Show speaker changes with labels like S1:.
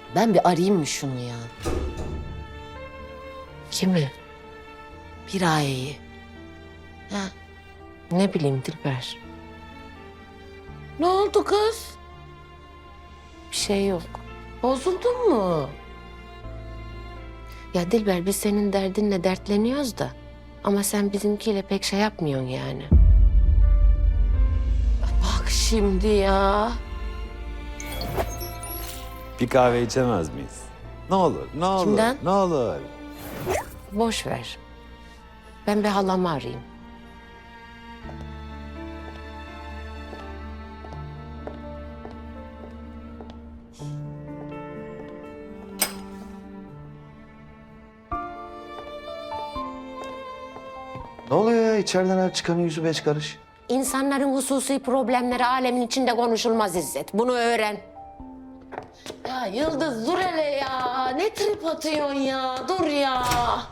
S1: Ben bir arayayım mı şunu ya?
S2: Kimi?
S1: Piraye'yi. Ha?
S2: Ne bileyim Dilber.
S1: Ne oldu kız?
S2: Bir şey yok.
S1: Bozuldun mu?
S2: Ya Dilber biz senin derdinle dertleniyoruz da. Ama sen bizimkiyle pek şey yapmıyorsun yani.
S1: Bak şimdi ya.
S3: Bir kahve içemez miyiz? Ne olur, ne olur,
S1: Kimden?
S3: ne olur.
S2: Boş ver. Ben bir halamı arayayım.
S4: Ne oluyor ya? İçeriden her çıkanın yüzü beş karış.
S2: İnsanların hususi problemleri alemin içinde konuşulmaz İzzet. Bunu öğren.
S1: Ya Yıldız dur hele ya. Ne trip atıyorsun ya? Dur ya.